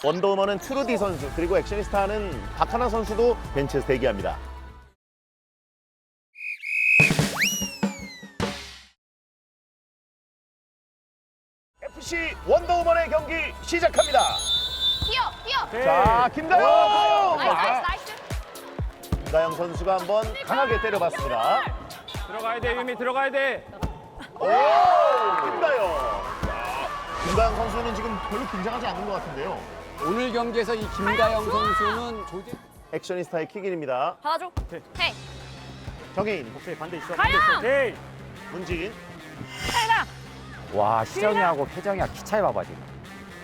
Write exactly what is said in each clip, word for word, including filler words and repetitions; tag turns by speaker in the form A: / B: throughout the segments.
A: 원더우먼은 트루디 선수 그리고 액션리스타는 박하나 선수도 벤치에서 대기합니다. 에프씨 원더우먼의 경기 시작합니다.
B: 뛰어, 뛰어.
A: 자, 김다영!
B: 나이스, 나이스,
A: 아,
B: 나이스.
A: 김다영 선수가 한번 강하게 때려봤습니다.
C: 들어가야 돼, 유미 들어가야 돼.
A: 오! 김다영! 김다영 선수는 지금 별로 긴장하지 않는 것 같은데요.
D: 오늘 경기에서 이 김다영 선수는 조지
A: 액션리스타의 킥인입니다.
B: 받아줘. 헤이.
A: 정혜인,
C: 오케이, 반대 있어.
B: 가영!
C: 반대 있어. 오케이.
A: 문진.
B: 헤이나.
E: 와, 시정이하고 혜정이랑 키 차이 봐봐, 지금.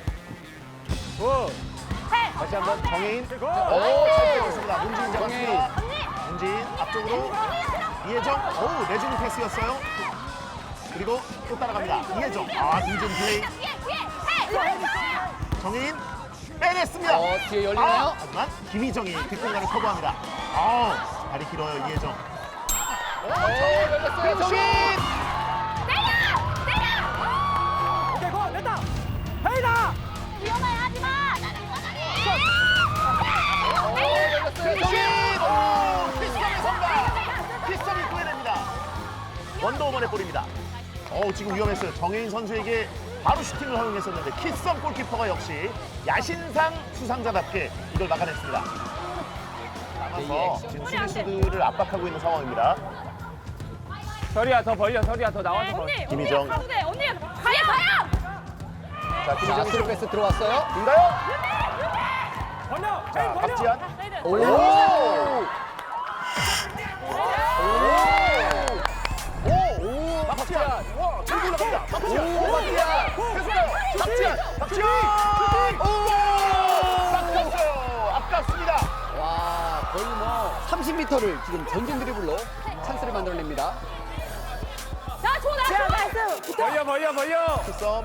C: 오.
B: 헤이.
A: 다시 한번 정혜인.
C: 고!
A: 오, 잘 때렸습니다. 문진 잡았습니다.
B: 언니.
A: 문진 앞쪽으로 이혜정. 오, 내주는 패스였어요. 그리고 또 따라갑니다. 이혜정. 아, 이준 플레이.
B: 뒤에, 뒤에. 헤이.
A: 정혜인 빼냈습니다.
D: 어, 뒤에 열리나요?
A: 아, 하지만 김희정이 뒷공간을 커버합니다. 아, 다리 길어요, 이혜정. 오, 정혜인
D: 열렸어요,
A: 슛!
B: 내려! 내려!
C: 오케이, 고! 됐다! 헤이다!
B: 위험해, 하지 마. 나는
A: 슛! 오, 키썸의 선발! 키썸이 구해냅니다. 원더우먼의 골입니다. 어, 지금 위험했어요. 정혜인 선수에게 바로 슈팅을 허용했었는데 키썸 골키퍼가 역시 야신상 수상자답게 이걸 막아냈습니다. 남아서 지금 수비수들을 압박하고 있는 상황입니다.
C: 서리야, 더 벌려, 서리야, 더 나와서 벌려.
B: 언니,
A: 김희정.
B: 언니 가운데, 언니 가야 가야.
A: 자,
D: 자,
A: 김희정이
D: 스루 패스 들어왔어요.
A: 인가요?
C: 벌려!
A: 자,
C: 헤이, 벌려!
A: 박지한.
D: 오!
A: 오! 박지한. 와, 들고 올라갑니다. 박지한.
D: 오, 박지한.
A: 계속해요. 박지한. 박지한. 오! 막혔어요. 아깝습니다.
D: 와, 거의 뭐 삼십 미터를 지금 전진 드리블로 찬스를 만들어냅니다.
B: 자, 좋아, 나이스. 나이스.
C: 벌려, 벌려, 벌려!
A: 키썸.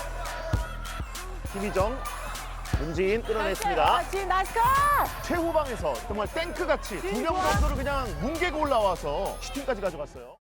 A: 김희정. 문지인 끌어냈습니다.
B: 지금 나이스 컷.
A: 최후방에서 정말 탱크같이 두 명 정도를 그냥 뭉개고 올라와서 슈팅까지 가져갔어요.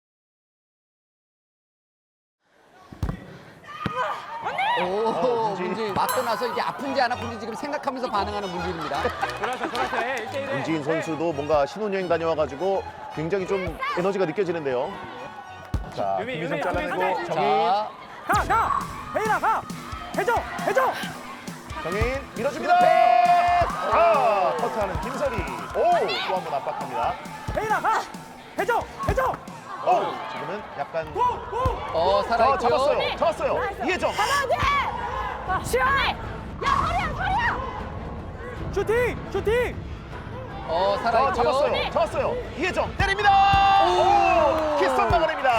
D: 오,
A: 문진.
D: 문진 맞고 나서 이게 아픈지 안 아픈지 지금 생각하면서 반응하는 문진입니다.
C: 돌아서, 돌아서 해, 일 대 일 해.
A: 문지인 선수도 뭔가 신혼여행 다녀와가지고 굉장히 좀 에너지가 느껴지는데요. 자,
C: 유미,
A: 김희정
C: 유미,
A: 잘라내고
C: 유미,
A: 정혜인.
D: 자,
C: 가, 가! 헤이나, 가! 해줘, 해줘!
A: 정혜인 밀어줍니다. 패스! 아, 커트하는 김설이. 오, 또 한 번 압박합니다.
C: 헤이나, 가! 해줘, 해줘!
A: 오, 지금은 약간
C: 고! 고!
D: 어,
A: 자,
D: 살아있고요.
A: 잡았어요. 잡았어요. 이혜정.
B: 가야 돼. 시원해. 야, 허리야, 허리야.
C: 슈팅! 슈팅!
D: 어,
A: 자,
D: 살아있고요.
A: 잡았어요. 잡았어요. 이혜정 때립니다. 오, 키썸 막아냅니다.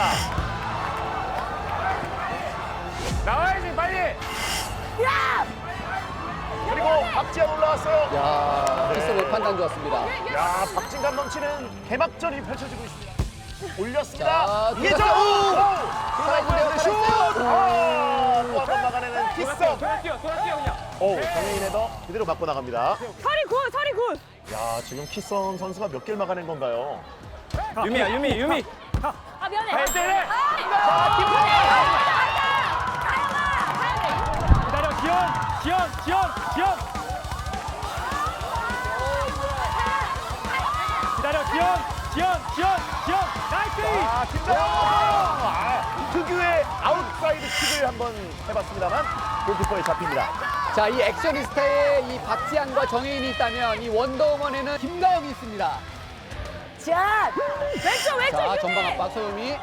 C: 나와야지, 빨리!
B: 야!
A: 그리고 박지한 올라왔어요.
D: 야,
A: 네.
D: 패스 판단 좋았습니다.
A: 야, 박진감 넘치는 개막전이 펼쳐지고 있습니다. 올렸습니다.
D: 자,
A: 이혜정!
D: 들어갔어요.
A: 살아있는데 슛! 아, 또 한 번 막아내는 키썸.
C: 돌아 뛰어, 돌아 뛰어, 그냥.
A: 오, 정혜인 헤더 그대로 맞고 나갑니다.
B: 서리 굿, 서리 굿.
A: 야, 지금 키썸 선수가 몇 개를 막아낸 건가요?
C: 유미야, 유미, 유미!
B: 아, 미안해.
C: 헤이, 때려!
A: 자, 김다영!
C: 기다려, 지연! 지연! 지연! 지연! 기다려, 지연! 지연! 지연! 지연! 나이스!
A: 아, 김다영! 아, 특유의 아웃사이드 킥을 한번 해봤습니다.만 골키퍼에 잡힙니다.
D: 자, 이 액션리스타에 이 박지한과 정혜인이 있다면 이 원더우먼에는 김다영이 있습니다.
B: 자, 왼쪽, 왼쪽.
D: 자,
B: 유미.
D: 전방 압박 소유미.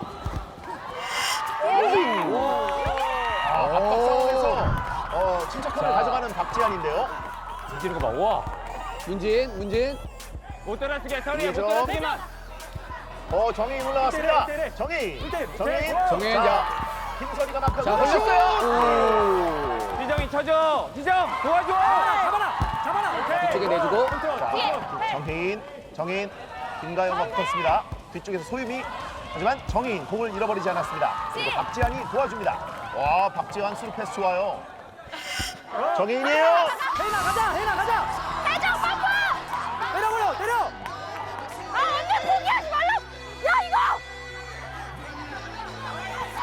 A: 아, 압박 상황에서 어, 침착함을
D: 자.
A: 가져가는 박지한인데요.
C: 움직이는 거 봐, 우와!
D: 문진, 문진.
C: 못 돌아서게, 서리야, 못
A: 이해죠?
C: 돌아서게만!
A: 어, 정혜인 올라왔습니다.
C: 때려, 때려.
A: 정혜인,
C: 때려,
A: 정혜인,
C: 때려.
D: 정혜인,
A: 자,
D: 자.
A: 김선이가 막하고
D: 자, 걸렸어요.
C: 희정이 쳐줘! 희정! 도와줘! 잡아라! 잡아라! 오케이!
D: 뒤쪽에 내주고.
C: 컨트롤,
A: 자,
C: 컨트롤.
A: 정혜인, 정혜인, 김가영과 붙었습니다. 뒤쪽에서 소유미. 하지만 정혜인 공을 잃어버리지 않았습니다. 그리고 박지한이 도와줍니다. 와, 박지한 스루 패스 좋아요. 정혜인이에요.
C: 혜인아, 가자! 혜인아, 가자!
B: 해줘, 빠빠.
C: 때려버려! 때려!
B: 아, 언니 포기하지 말라. 야, 이거.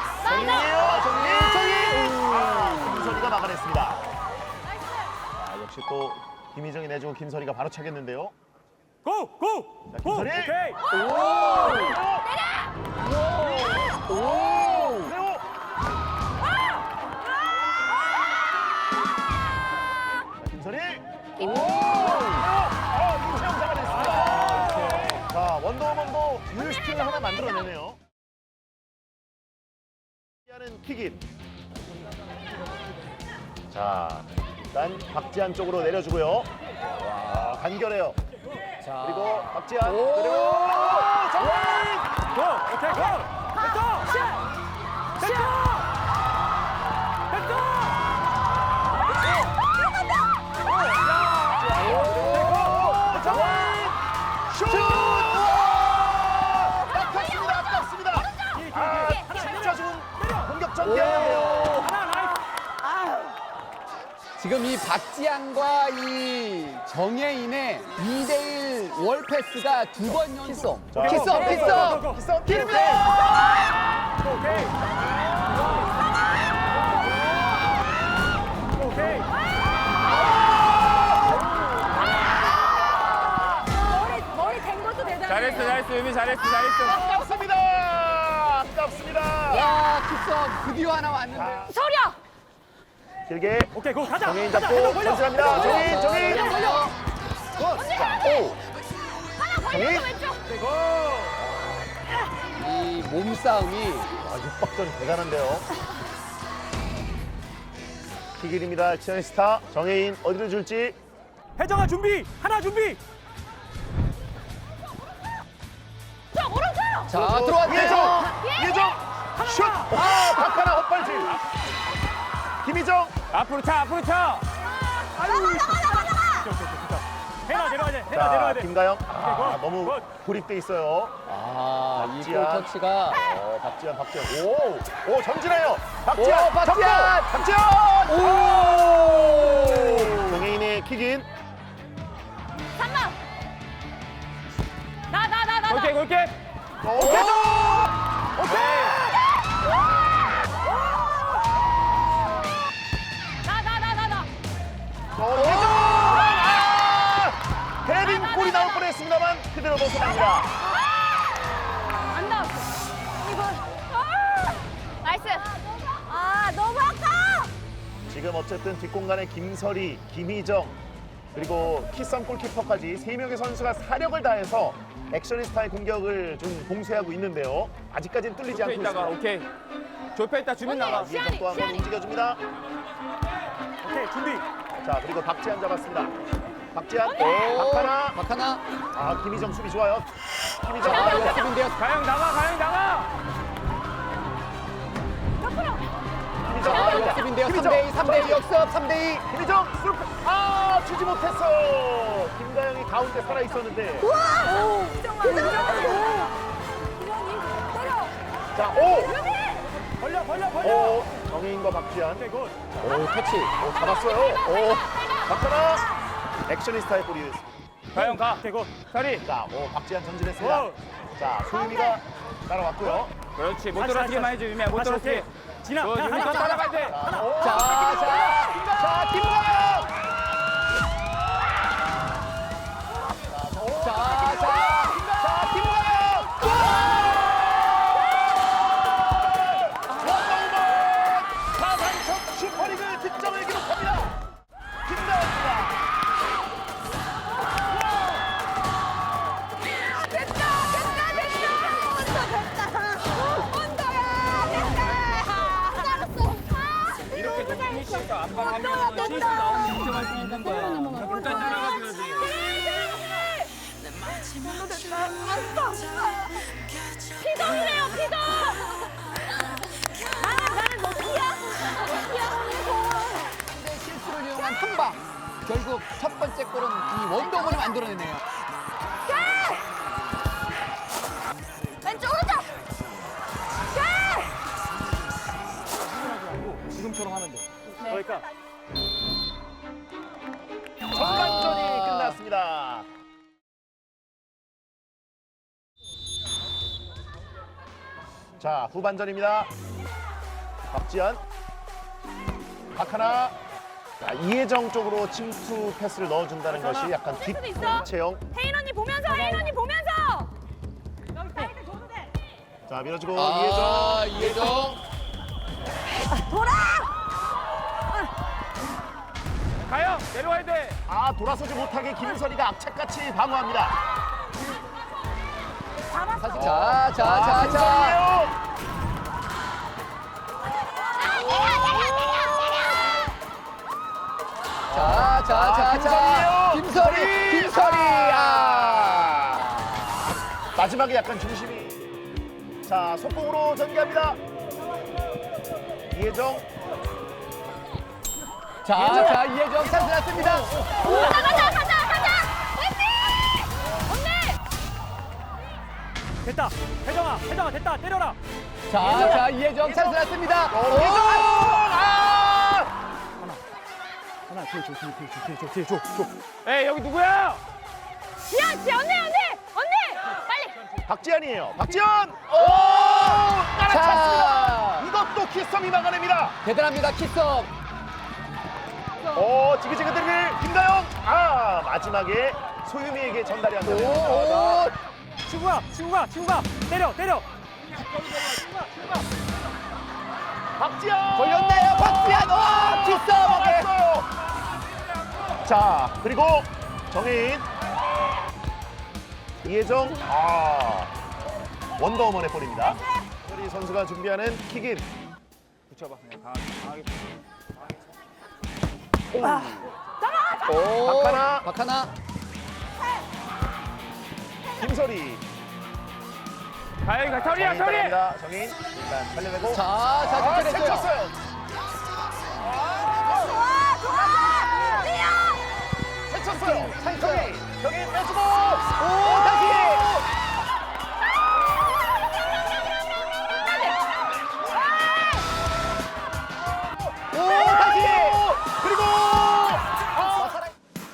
A: 정혜인이에요. 정혜인, 정혜인. 아, 김선이가 막아냈습니다. 아, 역시 또 김희정이 내주고 김설이가 바로 차겠는데요.
C: 고! 고!
A: 자,
C: 고!
A: 김선희!
C: 오케이!
A: 오! 레오! 자, 김선희! 오! 레오! 어, 임채영 잡아냈습니다. 자, 원더우먼도 유스팅을 하나 만들어내네요. 하는 킥인. 자, 일단 박지한 쪽으로 내려주고요. 와, 간결해요.
D: 자,
A: 그리고 박지한
D: 오!
A: 그리고 정민!
C: 고! 오케이, 고! 됐어! 됐어! 됐어!
A: 정민! 슛! 우와! 아깝습니다. 아깝습니다. 아, 진짜 좋은 공격 전개였는데요.
C: 하나, 나이스!
D: 지금 이 박지한과 이 정예인의 이 대일 월패스가 두 번 연속.
A: 자,
D: 키썸,
C: 고, 고,
D: 키썸!
C: 고, 고.
A: 기성
D: 기름!
C: 오케이! 오케이!
B: 머리 머리 된 것도 대단해.
C: 잘했어, 잘했어, 유미 잘했어, 잘했어.
A: 아깝습니다. 아깝습니다.
D: 야, 키썸 드디어 하나 왔는데.
A: 자,
B: 서려.
A: 길게
C: 오케이, 고 가자!
A: 정인
C: 가자,
A: 잡고
C: 해서 벌려!
A: 전진합니다.
C: 해서
A: 정인,
C: 벌려!
A: 정인.
D: 걸려, 걸려.
A: 굿. 자, 오.
B: 하나
A: 정인.
B: 벌려 왼쪽.
C: 오케이, 고!
D: 이 몸싸움이
A: 아, 육박전 대단한데요. 킥일입니다. 치어의 스타 정혜인 어디로 줄지.
C: 혜정아 준비! 하나 준비!
B: 자 오른쪽.
D: 자,
A: 이혜정!
D: 들어왔대요.
A: 이혜정! 슛! 아, 박하나 헛발질. 김희정!
C: 앞으로 차, 앞으로 차!
B: 나가 나가 나가 나가.
C: 해나 내려가야 돼, 해나
A: 자,
C: 내려가야 돼.
A: 김가영. 아,
C: 굿,
A: 너무
C: 굿.
A: 고립돼 있어요.
D: 아, 이
A: 박지한.
D: 볼 터치가.
A: 어, 박지현, 박지현. 오! 오, 전진해요. 박지현!
D: 오, 박지현!
A: 접고! 박지현!
D: 오!
A: 정혜인의 킥인.
B: 삼 번. 나 나 나 나.
C: 골게, 골게!
A: 어, 혜정!
B: 나나나나 나.
A: 어, 혜정! 아! 헤딩 골이 나올 뻔했습니다만 그대로 벗어납니다.
B: 안 나왔어. 이거. 아! 나이스. 아 너무 아까.
A: 지금 어쨌든 뒷공간에 김설이, 김희정 그리고 키썸 골키퍼까지 세 명의 선수가 사력을 다해서 액션리스타의 공격을 좀 봉쇄하고 있는데요. 아직까지는 뚫리지
C: 좁혀
A: 않고
C: 있다가,
A: 있습니다.
C: 오케이. 좁혀 있다, 주민
B: 오케이.
C: 나가.
A: 이혜정 또 한 번 움직여줍니다.
C: 오케이, 준비!
A: 자, 그리고 박지한 잡았습니다. 박지한,
D: 오,
A: 박하나.
D: 박하나.
A: 아, 김희정 수비 좋아요. 김희정.
D: 아,
A: 아,
D: 역습인데요.
C: 가영 나가, 가영 나가!
B: 옆으로.
A: 김희정.
D: 아, 역습인데요. 삼
A: 김희정.
D: 대 이, 삼 대 이 역습, 삼 대 이.
A: 김희정 슬프. 아, 주지 못했어. 김가영이 가운데 살아 있었는데.
B: 와. 정말 이정이 때려.
A: 자, 오.
C: 벌려, 벌려, 벌려!
A: 오, 정혜인과 박지한.
C: 오케이, 굿!
D: 오, 터치.
A: 오, 잡았어요. 오, 박하나. 액션리스타의 골이 됐습니다.
C: 가영 가! 오케이, 굿! 서리!
A: 자, 오, 박지한 전진했습니다.
C: 오.
A: 자, 소유미가 따라왔고요.
C: 그렇지, 못 다시, 떨어지게만 다시, 해줘, 유미야, 못 다시, 떨어지게. 다시. 진아,
A: 어,
C: 야, 유미 하나, 더 하나, 따라가야 돼!
A: 자, 오,
D: 자, 자.
A: 자, 김가영.
D: 자, 자.
A: 자, 김가영. 원더우먼 사상 첫 슈퍼리그 득점을 기록합니다. 김가영입니다.
B: 됐다 됐다 됐다. 온다 온다야 됐다. 잘했어.
C: 이렇게 좀 피니시해서
B: 온다야
C: 압박하면 실수
B: 됐다.
C: 나오면 인정할 수 있는 거야. 일단 따라가줘야지.
B: 피동이래요 피동. 나는 나는 뭐 피야? 피야.
D: 상대 실수를 이용한 한 방. 결국 첫 번째 골은 이 원더우먼이 만들어내네요.
B: 왼쪽 오른쪽.
C: 지금처럼 하면 돼. 그러니까
A: 전반전이 끝났습니다. 자, 후반전입니다. 박지현, 박하나, 자, 이혜정 쪽으로 침투 패스를 넣어준다는 것이 약간 뒷 채영.
B: 혜인 언니 보면서, 혜인 언니 보면서.
A: 자, 밀어주고
D: 아, 이혜정.
B: 돌아!
C: 가요. 내려와야 돼.
A: 이혜정. 아, 돌아서지 못하게 김선희가 악착같이 방어합니다.
D: 다시 자, 자,
A: 아,
D: 자, 자.
A: 김선희예요.
D: 자, 자,
A: 아,
D: 자, 자.
A: 김선희예요.
D: 김선희, 김선희. 아.
A: 마지막에 약간 중심이. 자, 속공으로 전개합니다. 이혜정.
D: 자, 자, 이혜정 찬스 났습니다.
B: 가자, 가자, 가자, 가자! 언니! 언니!
C: 됐다. 혜정아, 혜정아 됐다. 때려라.
D: 자, 자, 이혜정 찬스 났습니다.
A: 어, 이혜정! 아!
C: 하나 뒤에 줘, 뒤에 줘, 뒤에 줘, 뒤에 줘, 줘. 에이 여기 누구야?
B: 지연, 지연, 언니, 언니! 언니! 빨리!
A: 박지현이에요. 박지현! 오! 따라찼습니다.
D: 자,
A: 이것도 키썸이 막아냅니다.
D: 대단합니다, 키썸.
A: 오, 지그지그 드리블 김다영. 아, 마지막에 소유미에게 전달이 안
D: 오,
A: 되네요.
D: 오.
C: 친구가, 친구가, 친구가 때려, 때려.
A: 박지현!
D: 걸렸네요, 박지현. 오, 키썸. 오케이.
A: 막았어요. 자, 그리고 정혜인. 이혜정. 아, 원더우먼의 볼입니다. 우리 선수가 준비하는 킥인.
C: 붙여봐. 그냥 강하게, 강하게.
D: 오,
A: 박하나.
D: 박하나.
A: 김설이.
C: 가요, 가. 서리야,
A: 정혜인
C: 서리.
A: 따라갑니다. 정혜인. 일단 살려내고.
D: 자,
A: 아,
D: 자, 득점했어요.
A: 쳤어요.
B: 좋아, 좋아! 지연!
A: 쳤어요. 정혜인. 정혜인 빼주고.
D: 오, 다시. 오, 다시.
A: 그리고
D: 아, 살아-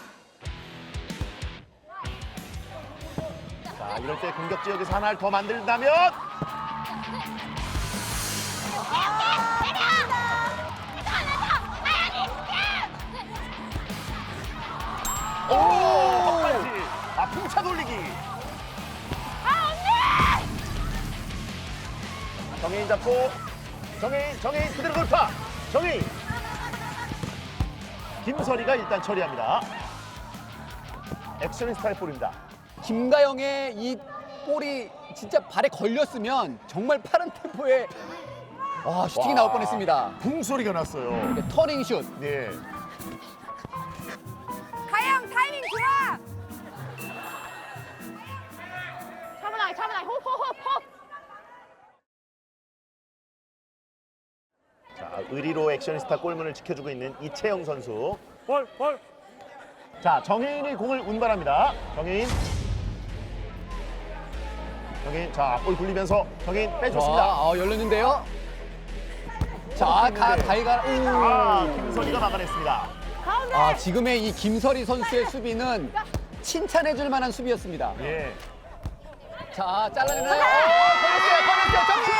A: 자, 이럴 때 공격 지역에서 하나를 더 만든다면 오! 헛발질. 아, 풍차 돌리기.
B: 아, 언니!
A: 정혜인 잡고 정혜인, 정혜인 그대로 돌파. 정혜인. 김설이가 일단 처리합니다. 액션 스타일 볼입니다.
D: 김가영의 이 볼이 진짜 발에 걸렸으면 정말 빠른 템포에 와, 슈팅이
A: 와.
D: 나올 뻔했습니다.
A: 붕 소리가 났어요.
D: 터닝 슛.
A: 네.
B: 가영 타이밍 좋아! 차분하게, 차분하게, 호흡, 호흡, 호흡!
A: 자, 의리로 액션스타 골문을 지켜주고 있는 이채영 선수.
C: 볼, 볼.
A: 자, 정혜인이 공을 운반합니다. 정혜인. 정혜인, 자, 볼 굴리면서 정혜인
D: 자,
A: 빼줬습니다.
D: 어, 열렸는데요. 자, 가, 가이가.
A: 아,
D: 오.
A: 김선희가 막아냈습니다.
B: 가운데!
D: 아, 지금의 이 김설이 선수의 수비는 칭찬해줄 만한 수비였습니다.
A: 예.
D: 자, 잘라내나요? 오, 걸렸어요, 걸렸어요, 정신!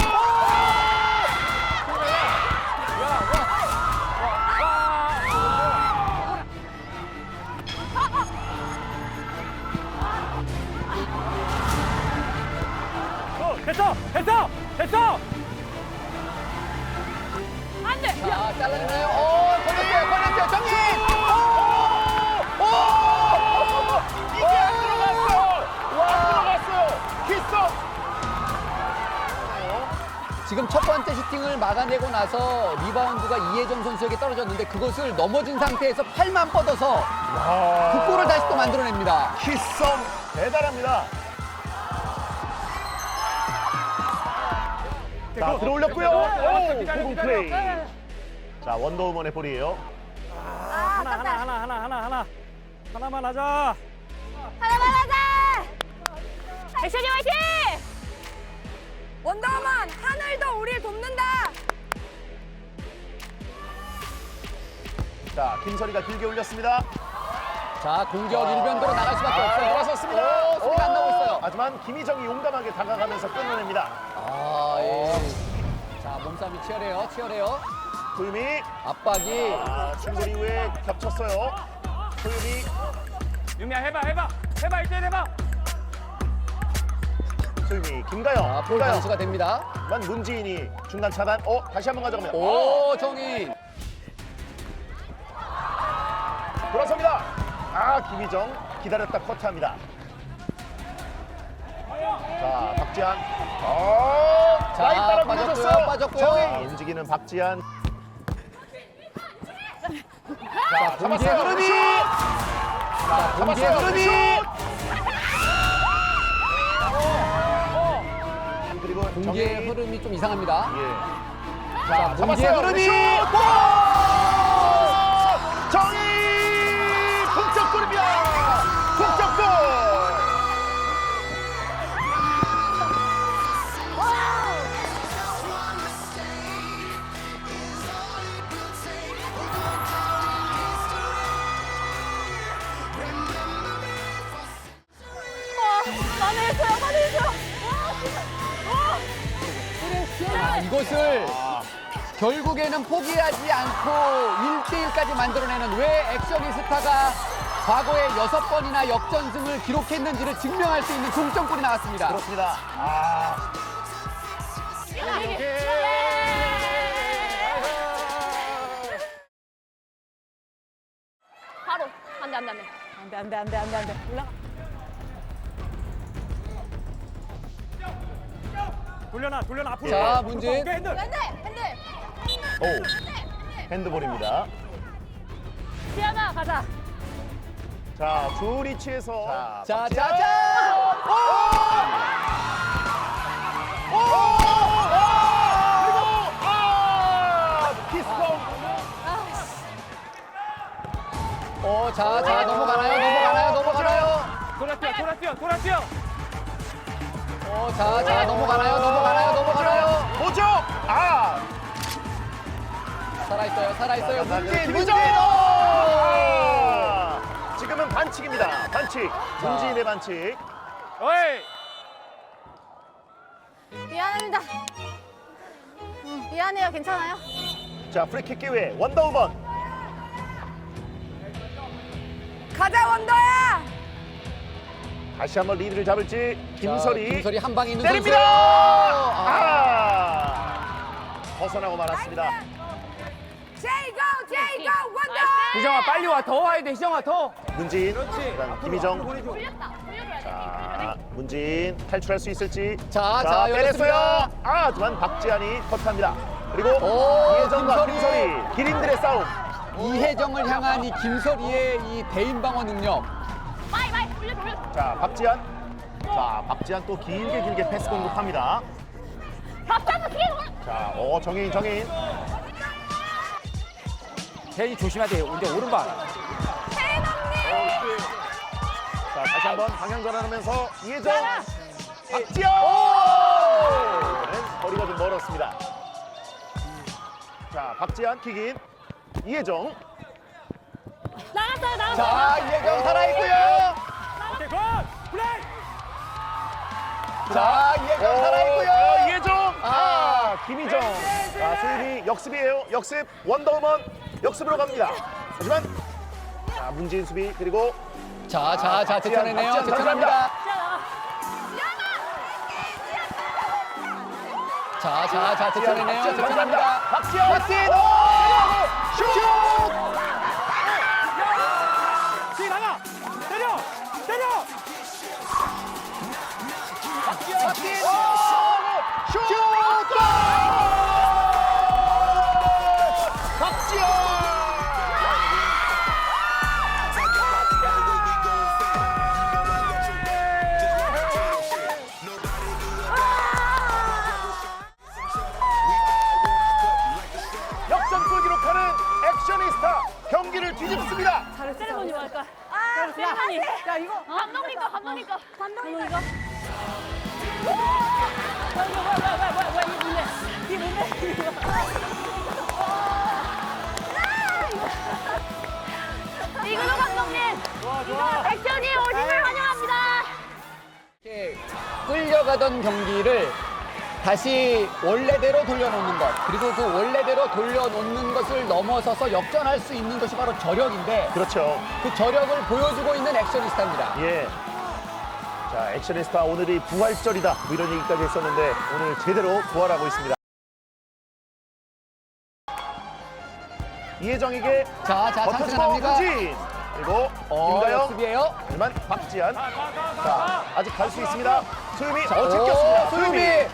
C: 어, 됐어, 됐어, 됐어.
B: 안 돼!
D: 자, 잘라내나요? 오, 걸렸어요, 걸렸어요, 정신! 오! 오!
A: 이게 안 들어갔어요! 안 들어갔어요! 키스!
D: 지금 첫 번째 슈팅을 막아내고 나서 리바운드가 이혜정 선수에게 떨어졌는데 그것을 넘어진 상태에서 팔만 뻗어서 그 골을 다시 또 만들어냅니다.
A: 키썸 대단합니다. 자, 들어올렸고요. 오, 고공 플레이. 자, 원더우먼의 볼이에요.
B: 아,
C: 하나, 하나, 하나, 하나, 하나, 하나. 하나만 하자.
B: 하나만 하자! 액션이 화이팅! 원더우먼, 하늘도 우리를 돕는다!
A: 자, 김설이가 길게 올렸습니다.
D: 자, 공격 일변도로 나갈 수밖에
A: 아,
D: 없어요.
A: 들어섰습니다.
D: 오, 소리가 안 나고 있어요.
A: 하지만 김희정이 용감하게 다가가면서 끊어냅니다.
D: 아, 예. 자, 몸싸움이 치열해요, 치열해요.
A: 소유미.
D: 압박이
A: 아, 충돌 이후에 겹쳤어요. 소유미.
C: 유미야 해봐 해봐 해봐 일대 해봐.
A: 소유미. 김가영.
D: 아, 볼
A: 김가영.
D: 단수가 됩니다.
A: 만 문지인이 중간 차단. 어, 다시 한번 가져갑니다.
D: 오, 정인.
A: 돌아섭니다. 아, 김희정 기다렸다 커트합니다. 자, 박지한. 어,
D: 자,
A: 라인 따라
D: 빠졌고요,
A: 밀어줬어요.
D: 빠졌고요.
A: 정혜인. 움직이는 박지한. 자,
D: 공기의
A: 잡았어요.
D: 흐름이.
A: 슛!
D: 자, 공기의
A: 잡았어요.
D: 흐름이.
A: 슛! 그리고
D: 공기의
A: 정혜인.
D: 흐름이 좀 이상합니다.
A: 예.
D: 자, 공기의
A: 잡았어요.
D: 흐름이.
A: 슛! 골! 정혜인! 동점골입니다. 동점골!
B: 많이 했어요, 많이 했어요.
D: 아, 이것을 결국에는 포기하지 않고 일 대일까지 만들어내는 왜 액션이스타가 과거에 여섯 번이나 역전승을 기록했는지를 증명할 수 있는 동점골이 나왔습니다.
A: 그렇습니다. 아,
B: 바로. 안 돼, 안 돼, 안 돼. 안 돼, 안 돼, 안 돼, 안 돼, 안 돼. 올라가.
C: 돌려놔 돌려놔 앞으로.
D: 자, 문진.
C: 오케이, 핸들.
B: 안 돼, 안 돼.
A: 오. 핸드볼입니다.
B: 지연아, 가자.
A: 자, 좋은 위치에서.
D: 자,
A: 박지한.
D: 자, 자.
A: 오! 오! 그리고 아! 키스공.
D: 어, 자, 자, 넘어가나요? 넘어가나요? 넘어가나요?
C: 돌아 뛰어 돌아 뛰어 돌아 뛰어.
D: 어, 자, 자, 넘어가나요? 넘어가나요? 넘어가나요?
A: 뭐죠? 아!
D: 살아있어요, 살아있어요. 문진, 문진!
A: 김희정! 아! 지금은 반칙입니다. 반칙. 문지인의 반칙.
C: 어이.
B: 미안합니다. 음, 미안해요, 괜찮아요?
A: 자, 프리킥 기회. 원더우먼.
B: 가자, 원더야!
A: 다시 한번 리드를 잡을지 김설이.
D: 자, 김설이 한 방에 있는
A: 때립니다.
D: 선수. 아,
A: 아! 벗어나고 말았습니다.
B: 제이고, 제이고, 원더!
C: 희정아 빨리 와 더 와야 돼 희정아 더.
A: 문진.
C: 그렇지.
A: 그다음
C: 앞으로,
A: 김희정.
C: 앞으로 보내줘.
B: 돌렸다, 돌려줘야 돼.
A: 자, 문진 탈출할 수 있을지.
D: 자, 자,
A: 빼냈어요.
D: 열렸습니다.
A: 아, 하지만 박지한이 컷합니다. 그리고
D: 오,
A: 이혜정과
D: 김설이.
A: 김설이 기린들의 싸움.
D: 이혜정을 향한 이 김설이의 이 대인 방어 능력.
B: 마이, 마이, 돌려, 돌려.
A: 자, 박지한. 자, 박지한 또 길게 길게 패스 공격합니다.
B: 밥차도 뒤에 돌려.
A: 자, 어, 정혜인, 정혜인.
E: 혜인이 조심해야 돼. 이제 오른발.
A: 자, 다시 한번 방향 전환하면서 이혜정. 박지현. 이번엔 거리가 좀 멀었습니다. 자, 박지한 킥인. 이혜정.
B: 나갔어요, 나갔어요.
D: 자, 이혜정 살아있고요.
C: 오케이 굿. 플레이.
D: 자, 이혜정
A: 어,
D: 살아있고요.
A: 이혜정. 아, 김희정. 자, 소윤이 역습이에요. 역습. 원더우먼 역습으로 갑니다. 하지만 자, 문지인 수비 그리고
D: 자, 자, 자,
A: 박지한,
D: 제쳐내네요.
A: 박지한
D: 제쳐납니다. 자, 자, 자, 제쳐내네요.
A: 박지한
D: 제쳐납니다.
A: 박지현.
D: 박지현.
A: 슛!
C: 지 나가. 때려. 때려.
A: 박지현. 슛! 골! 박지현. 역전골 기록하는 액션이스타 경기를 뒤집습니다.
B: 세레모니 뭐 할까? 아, 세레모니. 야, 이거. 감독님 거, 감독님 거. 감독님 거. 뭐야, 뭐야, 뭐야, 뭐야, 뭐야, 뭐야, 이게 뭔데? 이게 뭔데? 이근호 감독님.
C: 좋아 좋아.
B: 액션이 오심을 환영합니다.
D: 이렇게 끌려가던 경기를 다시 원래대로 돌려놓는 것, 그리고 그 원래대로 돌려놓는 것을 넘어서서 역전할 수 있는 것이 바로 저력인데
A: 그렇죠.
D: 그 저력을 보여주고 있는 액션이스타입니다.
A: 예. 자, 액션리스타 오늘이 부활절이다. 뭐 이런 얘기까지 했었는데 오늘 제대로 부활하고 있습니다. 이혜정에게
D: 자, 자, 찬스가
A: 버텨주고
D: 납니다.
A: 후진. 그리고
D: 어,
A: 김가영.
D: 역습이에요.
A: 하지만 박지한. 자, 아직 갈 수 있습니다. 소유미.
D: 자,
A: 어, 제꼈습니다.
D: 오, 소유미.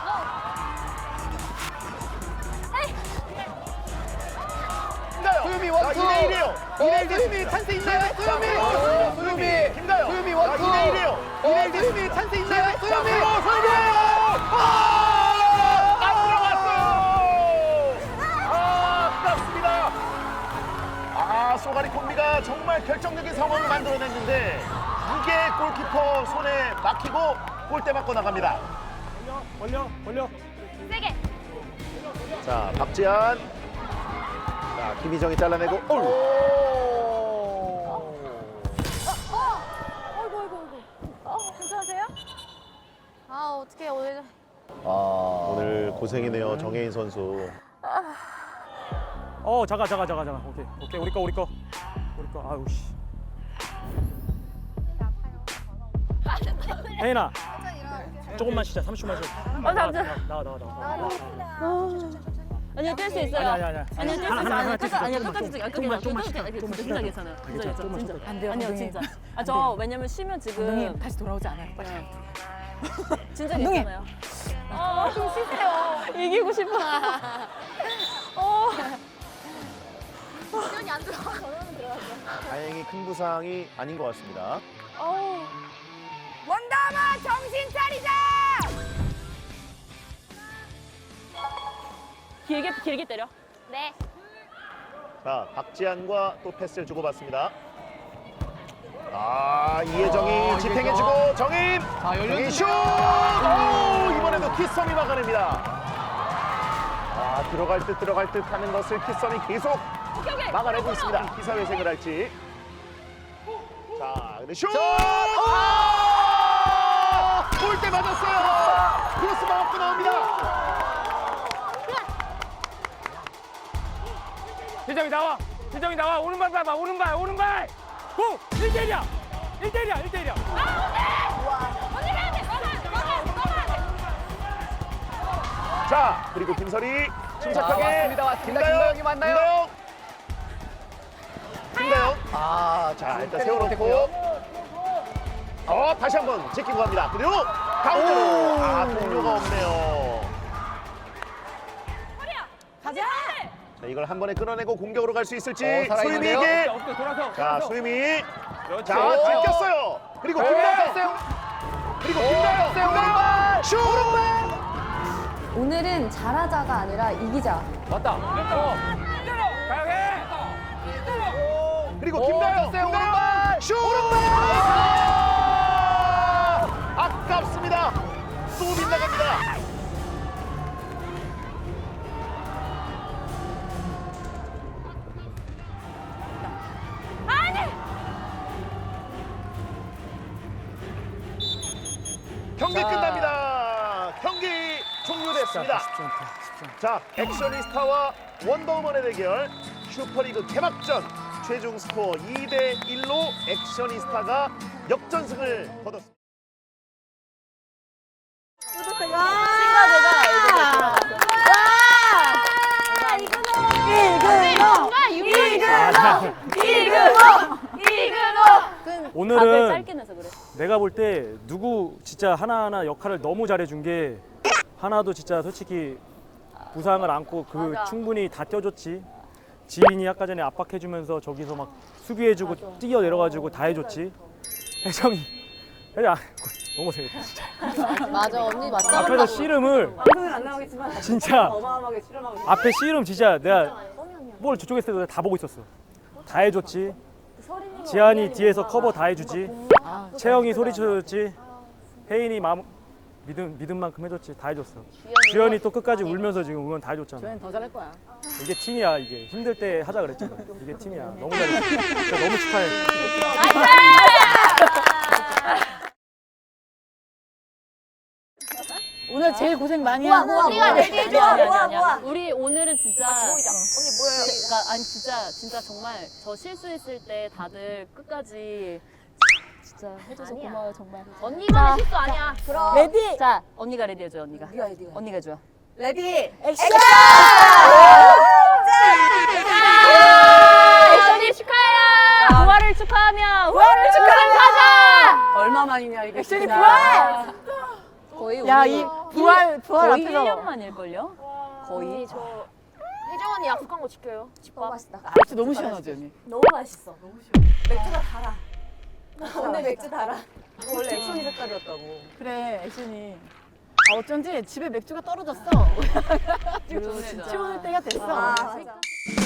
A: 김가영.
D: 소유미 원투.
A: 이 대 일이에요. 이 대 일
D: 소유미
A: 됐습니다.
D: 찬스 있나요? 소유미.
A: 자,
D: 소유미.
A: 김가영.
D: 소유미 원투.
A: 자, 이 대 일이에요. 이 대 일
D: 어,
A: 됐습니다.
D: 소유미 찬스 있나요?
A: 자,
D: 소유미.
A: 그리고 소유미. 아! 안 들어갔어요. 아, 아깝습니다. 아, 소가리 콤비가 정말 결정적인 상황을 만들어냈는데 이게 골키퍼 손에 막히고 골대 맞고 나갑니다.
C: 벌려, 벌려.
B: 세게.
A: 자, 박지한. 자, 김희정이 잘라내고. 오!
B: 어, 어이구, 어이구, 어이구. 어, 괜찮으세요? 아, 어떻게 오늘.
A: 아, 오늘 고생이네요, 정혜인 선수.
C: 어, 잠깐, 잠깐, 잠깐, 잠깐. 오케이, 오케이, 우리 거, 우리 거, 우리 거. 아유 씨. 혜인아, 조금만 쉬자. 삼십 초만 쉬자. 나와, 나와, 나와, 나와, 나와.
B: 아니요, 뗄 수 있어요.
C: 아니, 아니, 아니.
B: 아니요, 뗄 수
C: 하나,
B: 있어요.
C: 하나,
B: 아니요,
C: 하나
B: 끝까지,
C: 뗄수
B: 아니요,
C: 있어.
B: 끝까지 찍어요.
C: 조금만, 조금만
B: 진짜
C: 쉬자. 조금만
B: 진짜
C: 쉬자.
B: 괜찮아요. 진짜
C: 괜찮아,
B: 괜찮아요.
C: 조금만
B: 진짜.
C: 쉬자.
F: 안 돼요,
B: 아니요,
F: 감독님.
B: 진짜. 아, 저 왜냐면 쉬면 지금
F: 감독님 다시 돌아오지 않아요. 빨리.
B: 진짜
F: 감독님.
B: 괜찮아요. 아, 좀 쉬세요. 이기고 싶어. 어. 시간이 안 들어가. 저는 들어갔어.
A: 다행히 큰 부상이 아닌 것 같습니다.
B: 어.
F: 원담아 정신 차리자.
B: 길게 길게 때려. 네.
A: 자, 박지한과 또 패스를 주고받습니다. 아, 이혜정이
D: 어,
A: 지탱해주고 정인.
D: 자,
A: 정인
D: 열렸는데요.
A: 슛! 오, 이번에도 키썸이 막아냅니다. 아, 들어갈 듯 들어갈 듯 하는 것을 키썸이 계속
B: 오케이, 오케이.
A: 막아내고 있습니다. 기사회생을 할지. 자, 근데 슛!
D: 아!
A: 골대 맞았어요. 크로스 막고 나옵니다.
C: 희정이 나와. 희정이 나와. 오른발 봐봐. 오른발, 오른발. 고! 일 대 일이야. 일 대 일이야. 일 대 일이야.
B: 언니 해야 돼. 막아, 막아, 막아야 돼.
A: 자, 그리고 김설이 침착하게.
D: 자, 왔습니다, 왔습니다. 김가영이 맞나요?
A: 김가영. 김가영. 아, 자, 일단 세워놓고. 어, 다시 한번 제끼고 갑니다. 그리고 가운데로. 아, 동료가 없네요.
B: 가자.
A: 자, 이걸 한 번에 끊어내고 공격으로 갈 수 있을지.
D: 어, 살아있는데요?
A: 소유미에게.
C: 어떻게 돌아서.
A: 자, 소유미.
C: 그렇지.
A: 자, 제꼈어요. 그리고 김가영.
D: 뺐어요.
A: 그리고
D: 오,
A: 김가영.
D: 뺐어요.
A: 김가영. 슛!
F: 오늘은 잘하자가 아니라 이기자.
C: 맞다. 어. 가영해.
A: 그리고
D: 오,
A: 김가영.
D: 뺐어요.
A: 김가영.
D: 오른발.
A: 슛! 아깝습니다. 또 빗나갑니다. 경기
D: 자.
A: 끝납니다. 경기 종료됐습니다. 자, 액션리스타와 원더우먼의 대결 슈퍼리그 개막전 최종 스코어 이 대 일로 액션리스타가 역전승을 거뒀습니다.
B: 친구가
C: 아,
B: 답을
C: 오늘은
B: 짧게 내서 그래.
C: 내가 볼 때 누구 진짜 하나하나 역할을 너무 잘해준 게 하나도 진짜 솔직히 부상을 안고 그
B: 맞아.
C: 충분히 다 뛰어줬지. 지인이 아까 전에 압박해주면서 저기서 막 수비해주고 뛰어 내려가지고 다 해줬지. 혜정이 혜정 너무 고생했다 진짜.
B: 맞아, 언니 맞다.
C: 앞에서 씨름을
F: 방송은 안 나오겠지만
C: 진짜
F: 어마어마하게 실험하고 있어요.
C: 앞에 씨름 진짜 내가 볼 저쪽에서 해도 다 보고 있었어. 다 해줬지. 지한이 뒤에서 커버 다 해주지. 채영이 소리쳐줬지. 혜인이 마음 믿음 믿음 만큼 해줬지. 다 해줬어. 주연이 또 끝까지 울면서 지금 응원 다 해줬잖아.
F: 저희는 더 잘할 거야.
C: 이게 팀이야. 이게 힘들 때 하자 그랬잖아. 이게 팀이야. 너무 잘했어. 진짜 너무 축하해.
F: 오늘
B: 오늘 제일 고생 많이
F: 모아,
B: 하는
F: 모아,
B: 우리가
F: 모아.
B: 내일
F: 모아,
B: 아니야,
F: 모아,
B: 아니야,
F: 모아.
B: 아니야. 우리 오늘은 진짜
F: 언니 뭐예요?
B: 그러니까 아니 진짜 진짜 정말 저 실수했을 때 다들 끝까지 진짜 해줘서 고마워요 정말.
F: 언니만의 실수 아니야. 그럼.
B: 레디. 자 언니가 레디 해줘 언니가.
F: 네가 해, 네가 해.
B: 언니가 해줘.
F: 레디.
B: 액션. 액션이 축하해요. 부활을 축하하며 부활을 축하하며 가자.
F: 얼마 만이냐 이게.
B: 액션이 부활.
F: 거의
B: 야
F: 우리
B: 이 부활 부활 거의
F: 앞에서.
B: 일 년 만일걸요? 거의.
F: 저 혜정 언니 약속한 거 지켜요. 집밥 맛있다.
B: 맥주 너무 시원하지 언니.
F: 너무 맛있어. 너무 시원. 맥주가 달아. 오늘 맥주 달아. 원래 액션이 색깔이었다고.
B: 그래 액션이. 아 어쩐지 집에 맥주가 떨어졌어. 치워줄 때가 됐어.
F: 아, 맞아.